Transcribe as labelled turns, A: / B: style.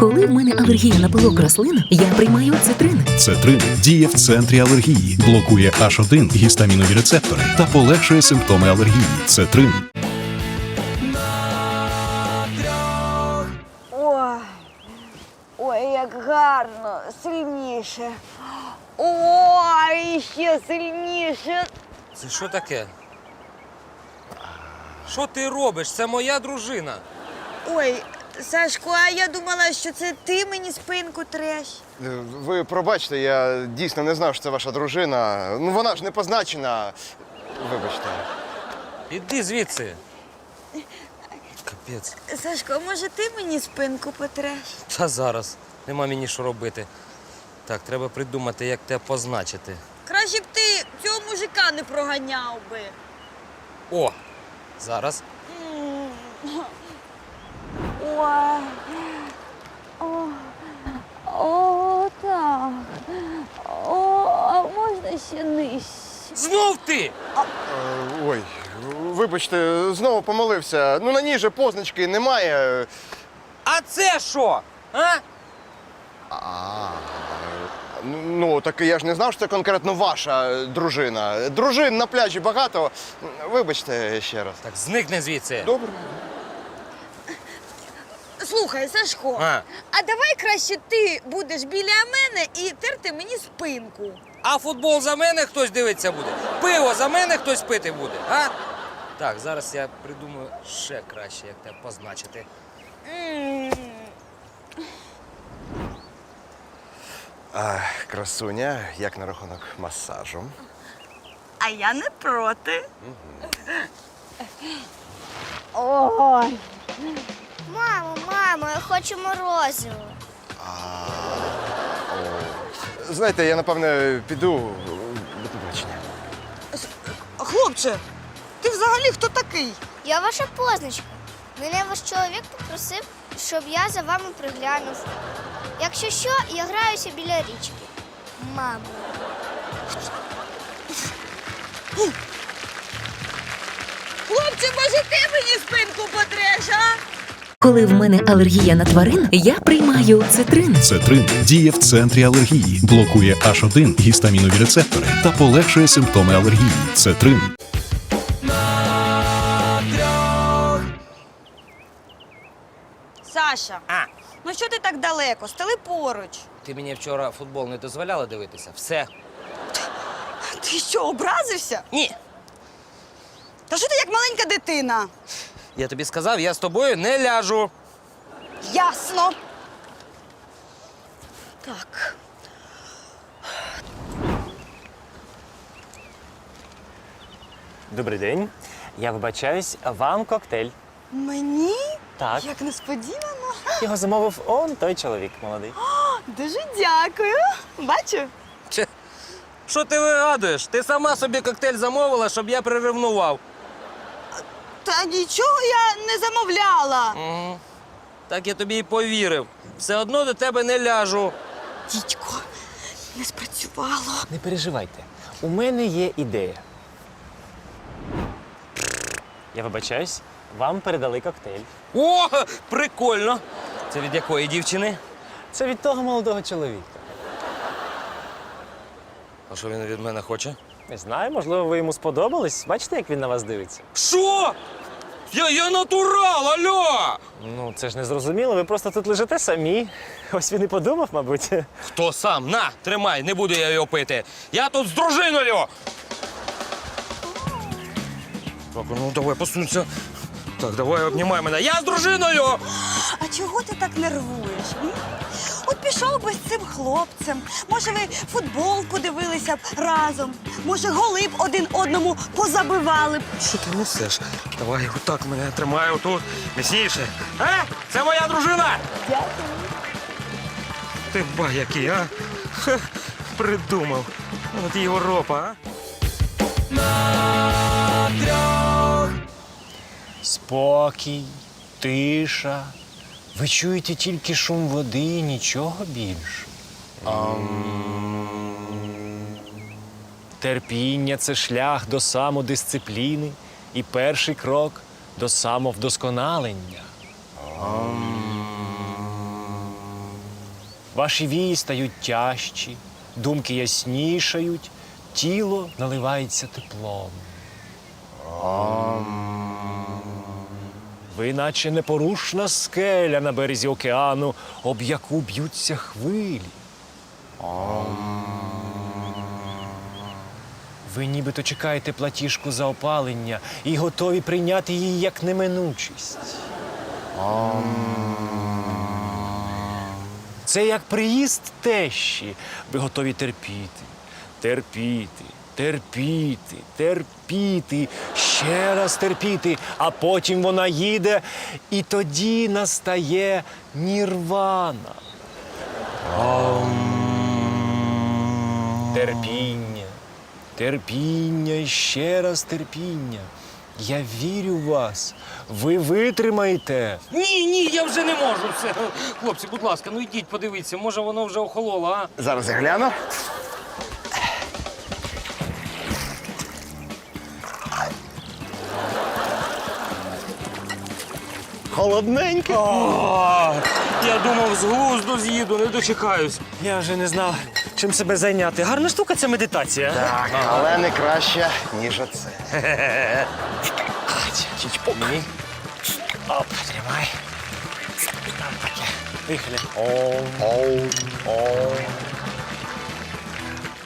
A: Коли в мене алергія на пилок рослин, я приймаю цитрин.
B: Цетрин діє в центрі алергії, блокує H1 гістамінові рецептори та полегшує симптоми алергії. Цетрин.
C: Ой, як гарно, сильніше. Ой, ще сильніше.
D: Це що таке? Що ти робиш? Це моя дружина.
C: Ой, Сашко, а я думала, що це ти мені спинку треш.
E: Ви пробачте, я дійсно не знав, що це ваша дружина. Ну вона ж не позначена. Вибачте.
D: Іди звідси. Капець.
C: Сашко, може ти мені спинку потреш?
D: Та зараз. Нема мені що робити. Так, треба придумати, як тебе позначити.
C: Краще б ти цього мужика не проганяв би.
D: О! Зараз.
C: Ой. О, так. О, а можна ще нижче?
D: Знов ти!
E: Ой, вибачте, знову помилився. Ну на ній же позначки немає.
D: А це що? А?
E: Ну, так я ж не знав, що це конкретно ваша дружина. Дружин на пляжі багато. Вибачте ще раз.
D: Так зникни звідси.
E: Добре.
C: Слухай, Сашко, а давай краще ти будеш біля мене і терти мені спинку.
D: А футбол за мене хтось дивитися буде? Пиво за мене хтось пити буде, а? Так, зараз я придумаю ще краще, як тебе позначити.
E: Красуня, як на рахунок масажу?
C: А я не проти. Ой.
F: Мамо, я хочу морозиво.
E: Знаєте, я напевне піду. До побачення.
C: Хлопче, ти взагалі хто такий?
F: Я ваша позначка. Мене ваш чоловік попросив, щоб я за вами приглянув. Якщо що, я граюся біля річки. Мамо.
C: Хлопче, може ти мені спинку потреш, а?
A: Коли в мене алергія на тварин, я приймаю цитрин.
B: Цетрин діє в центрі алергії, блокує H1 гістамінові рецептори та полегшує симптоми алергії. Цетрин.
C: Саша, ну що ти так далеко? Стали поруч.
D: Ти мені вчора футбол не дозволяла дивитися? Все.
C: Ти що, образився?
D: Ні.
C: Та що ти як маленька дитина?
D: Я тобі сказав, я з тобою не ляжу.
C: Ясно. Так.
G: Добрий день. Я вибачаюсь, вам коктейль.
C: Мені?
G: Так.
C: Як несподівано.
G: Його замовив он той чоловік молодий.
C: Дуже дякую. Бачу.
D: Че? Що ти вигадуєш? Ти сама собі коктейль замовила, щоб я приревнував.
C: Та нічого я не замовляла.
D: Угу. Так я тобі і повірив. Все одно до тебе не ляжу.
C: Дідько, не спрацювало.
G: Не переживайте. У мене є ідея. Я вибачаюсь, вам передали коктейль.
D: О, прикольно. Це від якої дівчини?
G: Це від того молодого чоловіка.
D: А що він від мене хоче?
G: Не знаю, можливо, ви йому сподобались. Бачите, як він на вас дивиться?
D: Що? Я натурал, алло!
G: Ну, це ж не зрозуміло, ви просто тут лежите самі. Ось він і подумав, мабуть.
D: Хто сам? На, тримай, не буду я його пити. Я тут з дружиною! Так, ну давай, посунься. Так, давай, обнімай мене. Я з дружиною!
C: А чого ти так нервуєш? От пішов би з цим хлопцем. Може, ви футболку дивилися б разом. Може, голи б один одному позабивали б.
D: Що ти несеш? Давай, отак мене тримай отут. Міцніше. Це моя дружина!
C: Дякую.
D: Ти ба який, а? Ха, придумав. От Європа, а?
G: Спокій, тиша. Ви чуєте тільки шум води і нічого більше. Терпіння – це шлях до самодисципліни і перший крок до самовдосконалення. Ваші вії стають тяжчі, думки яснішають, тіло наливається теплом. Ви наче непорушна скеля на березі океану, об яку б'ються хвилі. Ви нібито чекаєте платіжку за опалення і готові прийняти її як неминучість. Це як приїзд тещі. Ви готові терпіти, терпіти, терпіти, терпіти, ще раз терпіти, а потім вона їде, і тоді настає нірвана. Терпіння, терпіння і ще раз терпіння. Я вірю в вас. Ви витримаєте.
D: Ні, я вже не можу. Все. Хлопці, будь ласка, ну йдіть, подивіться, може воно вже охололо, а?
E: Зараз я гляну. Холодненьке.
D: Я думав, з глузду з'їду, не дочекаюсь.
G: Я вже не знав, чим себе зайняти. Гарна штука це медитація.
E: Так, але не краще, ніж оце.
G: Чичпок. Оп, тримай. Там таке. Вихлі.
E: Оу.